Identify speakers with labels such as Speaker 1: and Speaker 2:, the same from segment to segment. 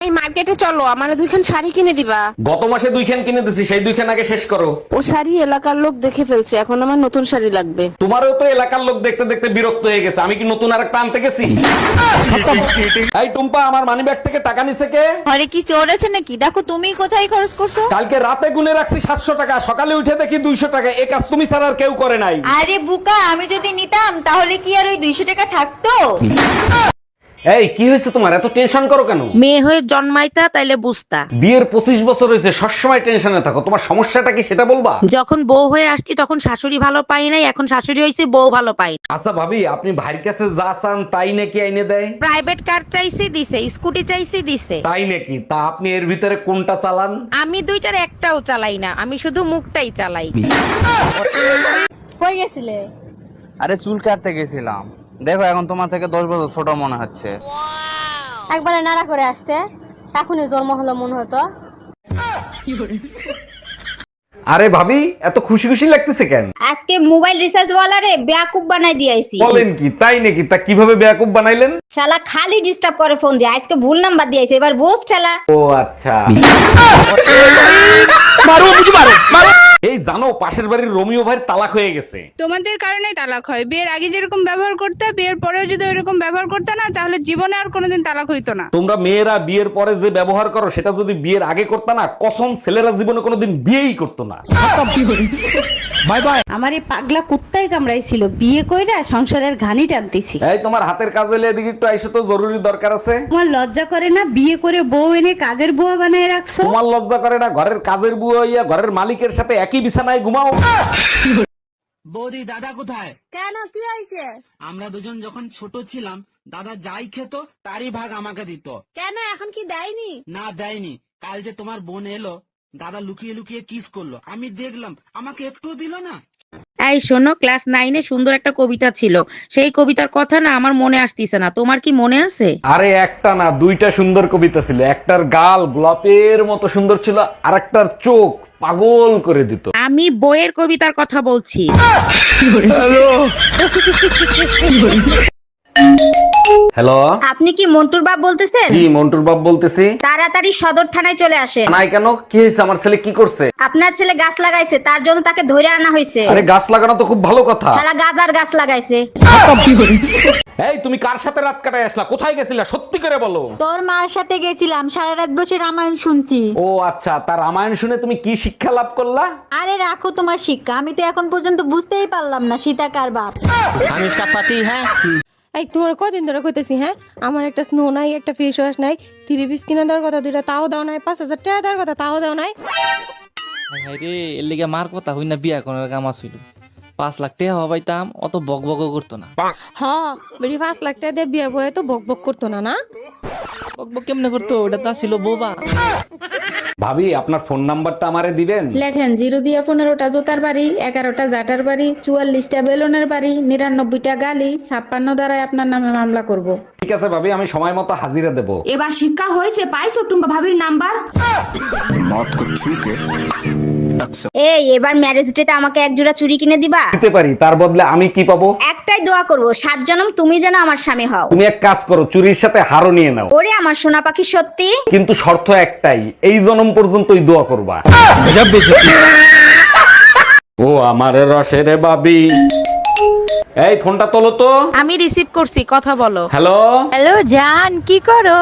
Speaker 1: এই মার্কেটে চলো, আমারে দুইখান শাড়ি কিনে দিবা।
Speaker 2: গত মাসে 2 খান কিনে দিছি, সেই 2 খান আগে শেষ করো।
Speaker 1: ও শাড়ি এলাকার লোক দেখে ফেলছে, এখন আমার নতুন শাড়ি লাগবে।
Speaker 2: তোমারও তো এলাকার লোক দেখতে দেখতে বিরক্ত হয়ে গেছে, আমি কি নতুন আরেকটা আনতে গেছি? এই টুম্পা, আমার মানি ব্যাগ থেকে টাকা নিছে কে?
Speaker 3: আরে কি চোর আছে নাকি? দেখো তুমি কোথায় খরচ করছো।
Speaker 2: কালকে রাতে গুনে রাখছি 700 টাকা, সকালে উঠে দেখি 200 টাকা। এই কাজ তুমি ছাড়া আর কেউ করে নাই।
Speaker 3: আরে বুকা, আমি যদি নিতাম তাহলে কি আর ওই 200 টাকা থাকতো?
Speaker 2: এই কি হয়েছে তোমার, এত টেনশন করো কেন?
Speaker 1: মেয়ে হয়ে জন্মাইতা তাইলে বুঝতা।
Speaker 2: বিয়ের 25 বছর হয়েছে, সবসময় টেনশনে থাকো। তোমার সমস্যাটা কি সেটা বলবা?
Speaker 1: যখন বউ হয়ে আসছি তখন শাশুড়ি ভালো পাই নাই, এখন শাশুড়ি হয়েছে বউ ভালো পাই।
Speaker 2: আচ্ছা ভাবি, আপনি ভাইয়ের কাছে যা চান তাই নাকি আইনে দেয়?
Speaker 1: প্রাইভেট কার চাইছি দিছে, স্কুটি চাইছি দিছে।
Speaker 2: তাই নাকি? তা আপনি এর ভিতরে কোনটা চালান?
Speaker 1: আমি দুইটার একটাও চালাই না, আমি শুধু মুখটাই চালাই।
Speaker 4: কই গেছিলে?
Speaker 5: আরে চুল কাটতে গেছিলাম। দেখো এখন তোমার থেকে 10 বছর ছোট মনে হচ্ছে।
Speaker 4: একবারে নাড়া করে আসতে, এখনই জন্ম হলো মনে হতো।
Speaker 2: আরে ভাবি, এত খুশি খুশি লাগতেছে কেন?
Speaker 3: আজকে মোবাইল রিচার্জ ওয়ালারে বেয়াকুব বানাই দিয়েছি।
Speaker 2: বলেন কি? তাই নাকি? তা কিভাবে বেয়াকুব বানাইলেন?
Speaker 3: শালা খালি ডিস্টার্ব করে ফোন দিয়ে, আজকে ভুল নাম্বার দিয়েছে, এবার বোস শালা।
Speaker 2: ও আচ্ছা। এই জানো, পাশের বাড়ির রোমিও ভাইয়ের তালাক হয়ে গেছে।
Speaker 6: তোমাদের কারণেই তালাক হয়। বিয়ের আগে যেরকম ব্যবহার করতে, বিয়ের পরেও যদি ওইরকম ব্যবহার করতে না, তাহলে জীবনে আর কোনোদিন তালাক হইতো না।
Speaker 2: তোমরা মেয়েরা বিয়ের পরে যে ব্যবহার করো, সেটা যদি বিয়ের আগে করতে না, কসম ছেলেরা জীবনে কোনোদিন বিয়েই করতো না। Bye bye.
Speaker 7: আমার এই পাগলা কুত্তায় কামড়াইছিল, বিয়ে কইরা সংসারের ঘানি টানতেছি।
Speaker 2: এই তোমার হাতের কাজ হইলে এদিকে একটু আইসো তো, জরুরি দরকার আছে।
Speaker 7: তোমার লজ্জা করে না? বিয়ে করে বউ এনে কাজের বুয়া বানায় রাখছো।
Speaker 2: তোমার লজ্জা করে না? ঘরের কাজের বুয়া হইয়া ঘরের মালিকের সাথে একই বিছানায় ঘুমাও।
Speaker 8: বৌদি, দাদা কোথায়?
Speaker 4: কেন, কি হয়েছে?
Speaker 8: আমরা দুজন যখন ছোট ছিলাম, দাদা যাই খেত তারই ভাগ আমাকে দিত।
Speaker 4: কেন, এখন কি দেয়নি?
Speaker 8: না দেয়নি। কাল যে তোমার বোন এলো, দাদা লুকিয়ে লুকিয়ে কিস করলো, আমি দেখলাম, আমাকে একটুও দিল না।
Speaker 1: এই শোনো, ক্লাস 9-এ সুন্দর একটা কবিতা ছিল, সেই কবিতার কথা না আমার মনে আসতিছে না, তোমার কি মনে আছে?
Speaker 2: আরে একটা না, 2টা সুন্দর কবিতা ছিল। একটার গাল গোলাপের মতো সুন্দর ছিল, আর একটার চোখ পাগল করে দিত।
Speaker 1: আমি বইয়ের কবিতার কথা বলছি।
Speaker 2: হ্যালো,
Speaker 3: আপনি কি মন্টুর বাপ বলতেছেন?
Speaker 2: জি মন্টুর বাপ বলতেছি।
Speaker 3: তাড়াতাড়ি সদর থানায় চলে আসেন।
Speaker 2: নাই কেন? কি হয়েছে? আমার ছেলে কি করছে?
Speaker 3: আপনার ছেলে গাছ লাগাইছে, তার জন্য তাকে ধরে আনা হয়েছে।
Speaker 2: আরে গাছ লাগানো তো খুব ভালো কথা।
Speaker 3: শালা গাজার গাছ লাগাইছে।
Speaker 2: এই তুমি কার সাথে রাত কাটায় আসলা? কোথায় গেছিলা? সত্যি করে বলো।
Speaker 7: তোর মার সাথে গেছিলাম, সারা রাত বসে রামায়ণ শুনছি।
Speaker 2: ও আচ্ছা, তার রামায়ণ শুনে তুমি কি শিক্ষা লাভ করলা?
Speaker 7: আরে রাখো তোমার শিক্ষা, আমি তো এখন পর্যন্ত বুঝতেই পারলাম না সীতা কার বাপ।
Speaker 8: আমি इसका पति है।
Speaker 4: এই তোমার কদিন ধরে কইতেছি, হ্যাঁ আমার একটা স্নো নাই, একটা ফেস ওয়াশ নাই, 3 পিস কিনে দেওয়ার কথা, 2টা তাও দাও নাই, 5000 টাকা দেওয়ার কথা তাও দাও নাই।
Speaker 9: রে এর লিগে মার কথা হই না, বিয়া করার কাম আছিল। 5 লাখ টাকা হবাইতাম, অত বক বক করতো না।
Speaker 4: হ, বেরি 5 লাখ টাকা দিয়ে বিয়ে বয়ে তো বক বক করতো না। না
Speaker 9: বক বক কেমনে করতো? ওটা তো ছিল বোবা।
Speaker 2: ভাবি, আপনার ফোন নাম্বারটা আমারে দিবেন?
Speaker 6: লেখেন 0 দিয়ে 15টা জোতার বাড়ি, 11টা জাটার বাড়ি, 44টা বেলুনের বাড়ি, 99টা গালি, 56 দ্বারাই আপনার নামে মামলা করব।
Speaker 2: ঠিক আছে ভাবি, আমি সময় মতো হাজিরা দেব।
Speaker 3: এবার শিক্ষা হয়েছে, পাইছো টুম্বা ভাবির নাম্বার? এই এবার ম্যারেজ ডেতে আমাকে এক জোড়া চুড়ি কিনে দিবা?
Speaker 2: দিতে পারি, তার বদলে আমি কি পাবো?
Speaker 3: একটাই দোয়া করব, 7 জনম তুমি যেন আমার স্বামী হও।
Speaker 2: তুমি এক কাজ করো, চুরির সাথে হারও নিয়ে নাও।
Speaker 3: ওরে আমার সোনা পাখি, সত্যি?
Speaker 2: কিন্তু শর্ত একটাই, এই জনম পর্যন্তই দোয়া করবা। ও আমার রসের বাবি, এই ফোনটা তোলো তো।
Speaker 1: আমি রিসিভ করছি, কথা বলো।
Speaker 2: হ্যালো।
Speaker 1: হ্যালো জান, কি করো?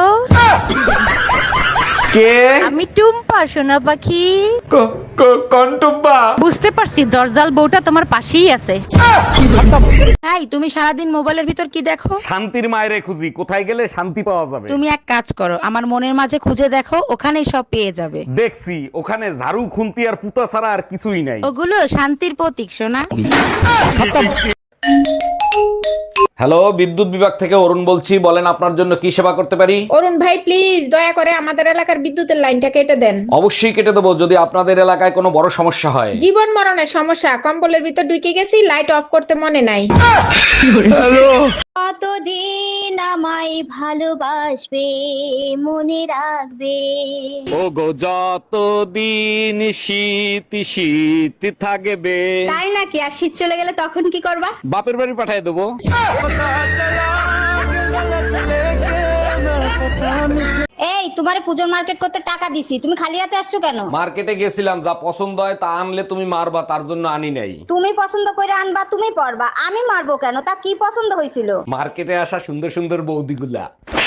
Speaker 2: কে?
Speaker 1: আমি টুম্পা, সোনা পাখি।
Speaker 2: কন্টুব্বা।
Speaker 1: বুঝতে পারছি, দরজাল বউটা তোমার পাশেই আছে। এই তুমি সারাদিন মোবাইলের ভিতর কি দেখো?
Speaker 2: শান্তির মায়েরে খুঁজি, কোথায় গেলে শান্তি পাওয়া যাবে।
Speaker 1: তুমি এক কাজ করো, আমার মনের মাঝে খুঁজে দেখো, ওখানেই সব পেয়ে যাবে।
Speaker 2: দেখছি, ওখানে ঝাড়ু খুন্তি আর পুতা ছাড়া আর কিছুই নাই।
Speaker 1: ওগুলো শান্তির প্রতীক, সোনা।
Speaker 2: হ্যালো, বিদ্যুৎ বিভাগ থেকে অরুণ বলছি, বলেন আপনার জন্য কি সেবা করতে পারি?
Speaker 6: অরুণ ভাই, প্লিজ দয়া করে আমাদের এলাকার বিদ্যুতের লাইনটা কেটে দেন।
Speaker 2: অবশ্যই কেটে দেবো, যদি আপনাদের এলাকায় কোনো বড় সমস্যা হয়।
Speaker 6: জীবন মরণের সমস্যা, কম্বলের ভিতর ঢুকে গেছি, লাইট অফ করতে মনে নাই।
Speaker 3: কতদিন আমায় ভালোবাসবে, মনে রাখবে।
Speaker 2: ও গো যতদিন শীত শীত থাকবে।
Speaker 7: তাই নাকি? আর শীত চলে গেলে তখন কি করবা?
Speaker 2: বাপের বাড়ি পাঠিয়ে দেবো।
Speaker 3: এই তোমারে পুজোর মার্কেট করতে টাকা দিছি, তুমি খালি হাতে আসছো কেন?
Speaker 2: মার্কেটে গেছিলাম, যা পছন্দ হয় তা আনলে তুমি মারবা, তার জন্য আনি নাই।
Speaker 3: তুমি পছন্দ করে আনবা, তুমি পরবা, আমি মারবো কেন? তা কি পছন্দ হয়েছিল?
Speaker 2: মার্কেটে আসা সুন্দর সুন্দর বৌদিগুলা।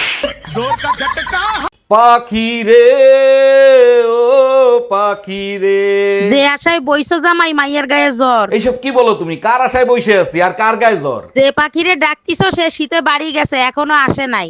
Speaker 2: পাখি রে ও পাখি রে।
Speaker 1: যে আশায় বইছো জামাই মাইয়ের গায়ে জ্বর।
Speaker 2: এইসব কি বলো তুমি? কার আশায় বসে আছি আর কার গায়ে জ্বর?
Speaker 1: যে পাখিরে ডাকতিছো সে শীতে বাড়ি গেছে, এখনো আসে নাই।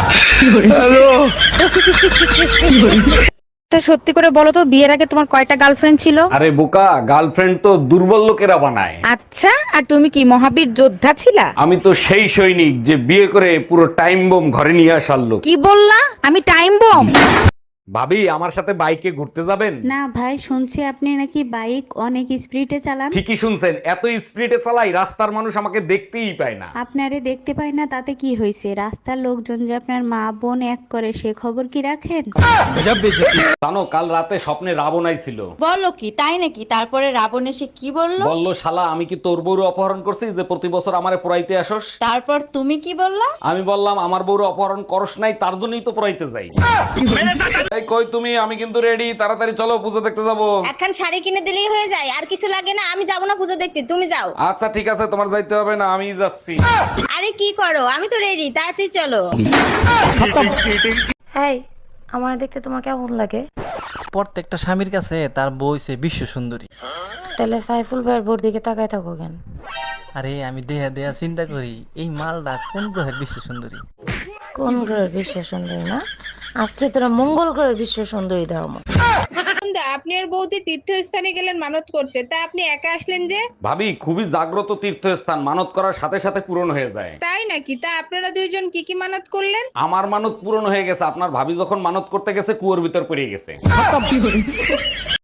Speaker 1: তা সত্যি করে বলো তো, বিয়ের আগে তোমার কয়টা গার্লফ্রেন্ড ছিল?
Speaker 2: আরে বোকা, গার্লফ্রেন্ড তো দুর্বল লোকেরা বানায়।
Speaker 1: আচ্ছা, আর তুমি কি মহাবীর যোদ্ধা ছিলা?
Speaker 2: আমি তো সেই সৈনিক যে বিয়ে করে পুরো টাইম বোম ঘরে নিয়ে আসার লোক।
Speaker 1: কি বললা? আমি টাইম বম?
Speaker 2: ভাবি, আমার সাথে বাইকে ঘুরতে যাবেন?
Speaker 7: না ভাই, শুনছি আপনি নাকি বাইক অনেক স্পিডে চালান।
Speaker 2: ঠিকই শুনছেন, এত স্পিডে চালাই রাস্তার মানুষ আমাকে দেখতেই পায় না।
Speaker 7: আপনারে দেখতে পাই না তাতে কি হয়েছে? রাস্তার লোকজন যে আপনার মা বোন এক করে সে খবর কি রাখেন?
Speaker 2: জানো, কাল রাতে স্বপ্নে রাবণ আইছিল।
Speaker 10: বলো কি, তাই নাকি? তারপরে রাবণ এসে কি বললো?
Speaker 2: বললো, শালা আমি কি তোর বউর অপহরণ করছি যে প্রতি বছর আমারে পড়াইতে আসোস?
Speaker 10: তারপর তুমি কি বললা?
Speaker 2: আমি বললাম, আমার বউর অপহরণ করস নাই, তার জন্যই তো পড়াইতে যাই। এই কই তুমি? আমি কিন্তু রেডি, তাড়াতাড়ি চলো, পুজো দেখতে যাবো।
Speaker 3: একখান শাড়ি কিনে দিলেই হয়ে যায়, আর কিছু লাগে না। আমি যাবো না পুজো দেখতে, তুমি যাও।
Speaker 2: আচ্ছা ঠিক আছে, তোমার যাইতে হবে না, আমি যাচ্ছি।
Speaker 3: আরে কি করো? আমি তো রেডি, তাড়াতাড়ি চলো।
Speaker 1: এই, আমার দেখতে তোমার কেমন লাগে?
Speaker 9: প্রত্যেকটা স্বামীর কাছে তার বউ হইছে বিশ্ব সুন্দরী।
Speaker 1: তাহলে সাইফুল ভাইয়ের বোর দিকে তাকায় থাকো কেন?
Speaker 9: আরে আমি দেহা দেহা চিন্তা করি, এই মালটা কোন গ্রহের বিশ্ব সুন্দরী?
Speaker 1: কোন গ্রহের বিশ্ব সুন্দরী না? আজকে তোরা মঙ্গল গ্রহের বিশ্ব সুন্দরী দাও।
Speaker 6: আপনি আর বৌদি তীর্থস্থানে গেলেন মানত করতে, তা আপনি একা আসলেন যে?
Speaker 2: ভাবি, খুবই জাগ্রত তীর্থস্থান, মানত করার সাথে সাথে পূরণ হয়ে যায়।
Speaker 6: তাই নাকি? তা আপনারা দুইজন কি কি মানত করলেন?
Speaker 2: আমার মানত পূরণ হয়ে গেছে, আপনার ভাবি যখন মানত করতে গেছে কুয়োর ভিতর পড়ে গেছে।